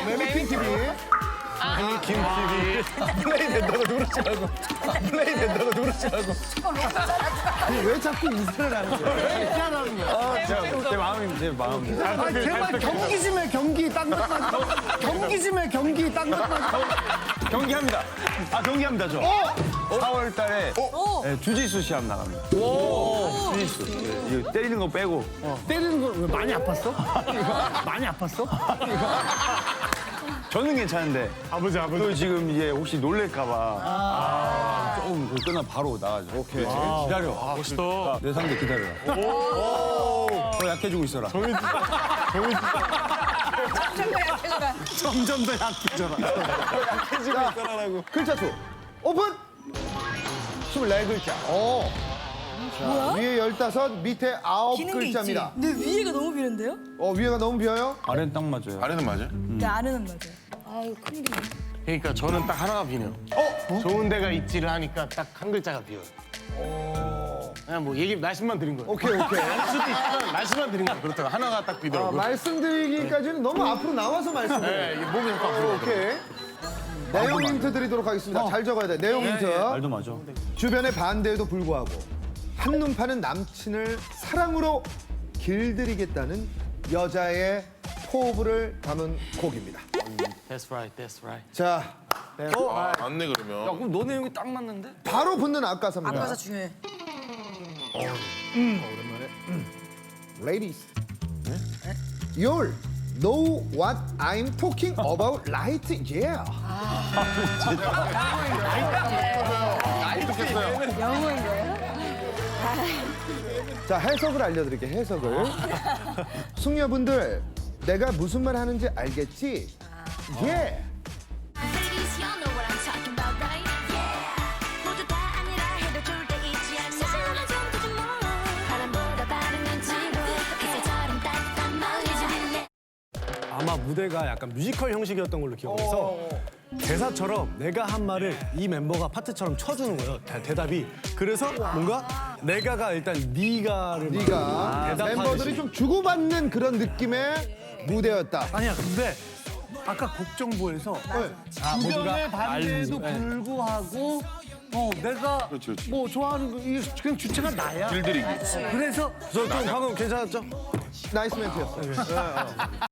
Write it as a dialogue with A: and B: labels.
A: 매미킹 TV.
B: 김 TV.
A: 플레이 된다고 누르지 말고. 플레이 된다고 누르지 말고. 왜 자꾸 이슬을 하는 거야? 왜 이렇게 하는 거야?
B: 제 마음이.
A: 아, 제발 경기 좀 해, 경기. 딴 것만. 경기 좀 해, 경기. 딴 것만.
B: 경기합니다. 경기합니다, 저. 4월 달에 주짓수 시합 나갑니다. 주짓수. 이거 때리는 거 빼고.
A: 때리는 거 왜 많이 아팠어? 많이 아팠어?
B: 저는 괜찮은데.
A: 아버지.
B: 또 지금 이제 혹시 놀랄까봐. 조금 그거 끝나 바로 나가죠. 오케이. 기다려.
A: 멋있다.
B: 내 상대 기다려라. 더 약해지고 있어라.
A: 점점 더 약해져라.
B: 약해지고 있어라라고.
A: 글자 수 오픈! 24글자. 자, 위에 15, 밑에 9글자입니다.
C: 근데 위에가 너무 비는데요?
A: 위에가 너무 비어요?
B: 아래는 딱 맞아요.
D: 아래는 맞아요?
C: 네, 아래는 맞아요. 아유, 큰일이네.
E: 그러니까 저는 딱 하나가 비네요. 좋은 데가 있지를 하니까 딱 한 글자가 비어요. 그냥 뭐 말씀만 드린 거예요.
A: 오케이.
E: 알 수도 있지만 말씀만 드린 거예요. 그렇다고 하나가 딱 비더라고요.
A: 말씀드리기까지는 너무 앞으로 나와서 말씀드려요.
E: 네, 이게 몸이 약간 앞으로
A: 오케이. 내용 힌트 드리도록 하겠습니다. 잘 적어야 돼. 내용 힌트.
B: 말도 맞아.
A: 주변의 반대에도 불구하고 한눈 파는 남친을 사랑으로 길들이겠다는 여자의 포부를 담은 곡입니다.
E: That's right, that's right.
A: 자,
D: 맞네 그러면.
B: 그럼 너 내용이 딱 맞는데?
A: 바로 붙는 앞가사입니다.
C: 아까사 중요해.
A: Ladies, you'll know what I'm talking about, right? Yeah.
C: 영어인 거예요?
A: 자, 해석을 알려드릴게요. 해석을. 숙녀분들, 내가 무슨 말 하는지 알겠지? 예.
F: Ladies, y'all know what I'm talking about, right? Yeah. 모두 다 아니라 해도 좋을 때 있지 않나? 사실은 정도지 뭐. 바람보다 빠른 눈치로 햇살처럼 따뜻한 머리 좀
G: 아마 무대가 약간 뮤지컬 형식이었던 걸로 기억해서 대사처럼 내가 한 말을 이 멤버가 파트처럼 쳐주는 거예요. 대답이. 그래서 뭔가 내가가 일단 니가를
A: 네가
G: 대답하듯이.
A: 멤버들이 좀 주고받는 그런 느낌의 무대였다.
H: 아니야, 근데 아까 곡정보에서 주변의 반대에도 불구하고 내가 뭐 좋아하는 거 이게 그냥 주체가 나야.
D: 길들이기.
H: 그래서
G: 저 좀 방금 괜찮았죠?
A: 나이스 멘트였어요.